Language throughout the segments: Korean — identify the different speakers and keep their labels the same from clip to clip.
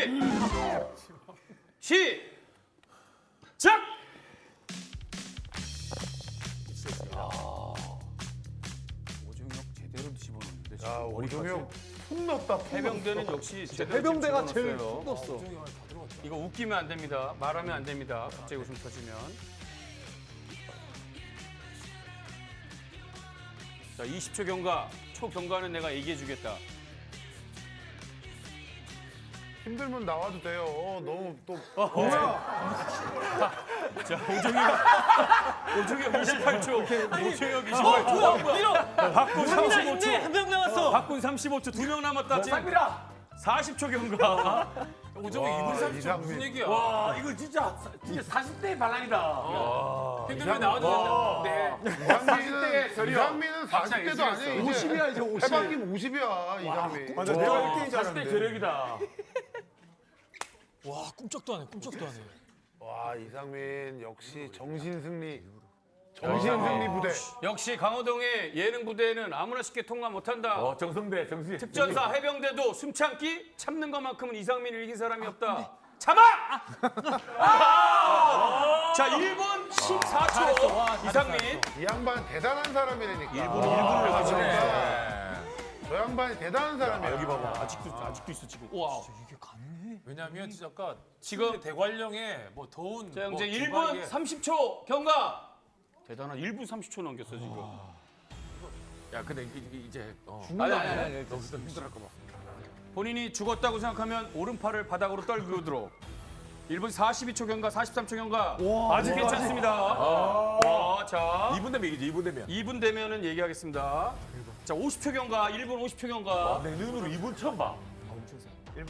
Speaker 1: 시작! 오종혁 제대로 집어넣는데 지금
Speaker 2: 야,
Speaker 1: 머리까지.
Speaker 2: 오종혁 푹 넣었다.
Speaker 1: 해병대는 역시 제대로
Speaker 3: 해병대가
Speaker 1: 집어넣었어요.
Speaker 3: 제일 푹 넣었어.
Speaker 1: 이거 웃기면 안 됩니다. 말하면 안 됩니다. 갑자기 웃음 터지면. 자, 20초 경과. 초경과는 내가 얘기해 주겠다.
Speaker 2: 힘들면 나와도 돼요. 너무 또
Speaker 1: 자, 오종혁 28초. 오종혁 28초.
Speaker 4: 밀어.
Speaker 1: 박군
Speaker 4: 있네.
Speaker 1: 35초.
Speaker 4: 한 명 남았어.
Speaker 1: 박군 35초. 2명 남았다. 지금
Speaker 4: 쌍미라.
Speaker 1: 40초 경과.
Speaker 4: 오종이 2분 30초
Speaker 2: 이상민.
Speaker 4: 무슨 얘기야? 와 이거 진짜 40대의 반란이다. 힘들면 나와도 되는데.
Speaker 2: 이상민은 40대도 아니에요.
Speaker 3: 50이야 이제 50.
Speaker 2: 해방님 50이야 이상민.
Speaker 3: 맞아, 내가 1등인 줄
Speaker 4: 40대
Speaker 3: 알았는데.
Speaker 4: 저력이다.
Speaker 5: 와 꿈쩍도 안 해. 꿈쩍도 안 해.
Speaker 2: 와 이상민 역시 정신승리. 정신승리 부대.
Speaker 1: 역시 강호동의 예능 부대는 아무나 쉽게 통과 못한다.
Speaker 4: 정성대 정신.
Speaker 1: 특전사 해병대도 숨참기 참는 것만큼은 이상민을 이긴 사람이 없다. 참아! 자 1분 14초 이상민.
Speaker 2: 이 양반 대단한 사람이라니까.
Speaker 1: 일부러 가지고.
Speaker 2: 저 양반이 대단한 사람이야.
Speaker 1: 여기 봐봐 아직도 있어 지금. 와.
Speaker 5: 이게 가능해?
Speaker 4: 왜냐면 진짜 아까
Speaker 1: 지금
Speaker 4: 대관령에 뭐 더운
Speaker 1: 자
Speaker 4: 뭐
Speaker 1: 이제
Speaker 4: 주말에
Speaker 1: 1분 30초 경과. 대단한 1분 30초 넘겼어 지금.
Speaker 4: 야 근데 이제
Speaker 1: 아니.
Speaker 4: 너무 힘들할 거 봐.
Speaker 1: 본인이 죽었다고 생각하면 오른팔을 바닥으로 떨구도록. 1분 42초 경과, 43초 경과. 아직 괜찮습니다. 와, 자.
Speaker 4: 2분 되면 이기지 2분 되면.
Speaker 1: 2분 되면은 얘기하겠습니다. 자, 50초 경과, 1분 50초 경과.
Speaker 4: 내 눈으로 2분 처음 봐. 1분.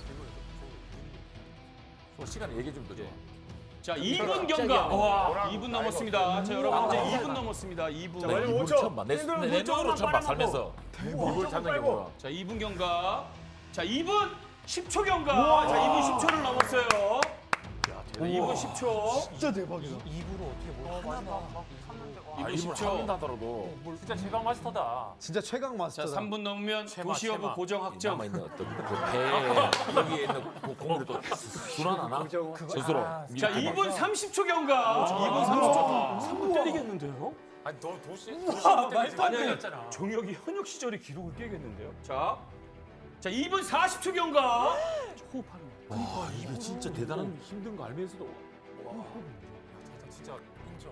Speaker 4: 시간 얘기 좀 더 줘.
Speaker 1: 자, 2분 경과. 와, 2분 넘었습니다. 자, 여러분 이제 2분 넘었습니다. 2분.
Speaker 4: 2분 처음 봐. 내 눈으로 처음 봐 살면서. 이걸 찾는 게 뭐야?
Speaker 1: 자, 2분 경과. 자, 2분 10초 경과. 자, 2분 10초를 넘었어요. 자, 2분 10초.
Speaker 3: 진짜 대박이다.
Speaker 5: 입으로 어떻게 뭘 하나?
Speaker 1: 2분 10초.
Speaker 4: 참는다더라도. 진짜 최강 마스터다.
Speaker 3: 진짜 최강
Speaker 1: 자,
Speaker 3: 마스터다.
Speaker 1: 3분 넘으면 도시어부
Speaker 4: 체마.
Speaker 1: 고정 확정.
Speaker 4: 남아 있는 어떤 배 여기에 있는 공을 또 순환하나? 스스로.
Speaker 1: 자, 2분 30초 경과. 2분 30초. 3분 때리겠는데요?
Speaker 4: 아니 너 도시
Speaker 1: 아니, 아니,
Speaker 4: 때렸잖아.
Speaker 1: 종혁이 현역 시절의 기록을 깨겠는데요. 자, 2분 40초 경과. 호흡하는 거.
Speaker 4: 와 이게 진짜 대단한 힘든 거 알면서도. 와. 진짜 인정.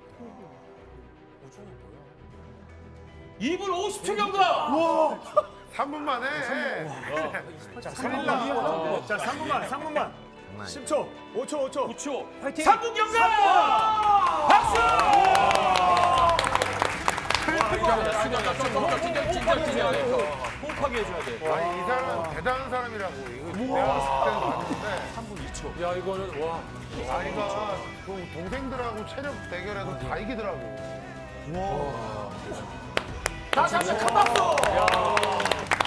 Speaker 4: 오종이 뭐야?
Speaker 1: 2분 50초 경과.
Speaker 2: 3분 만에.
Speaker 3: 자 3분만. 10초. 5초.
Speaker 1: 9초.
Speaker 3: 파이팅.
Speaker 1: 3분 경과. 박수. 호흡하게 해줘야 돼.
Speaker 2: 아니 이 사람은 대단한 사람이라고. 이거 내가 봤을 때는 봤는데
Speaker 1: 3분 2초.
Speaker 4: 야 이거는 와.
Speaker 2: 아이가 그 동생들하고 체력 대결해도 다 이기더라고.
Speaker 1: 다시 한번 큰 박수.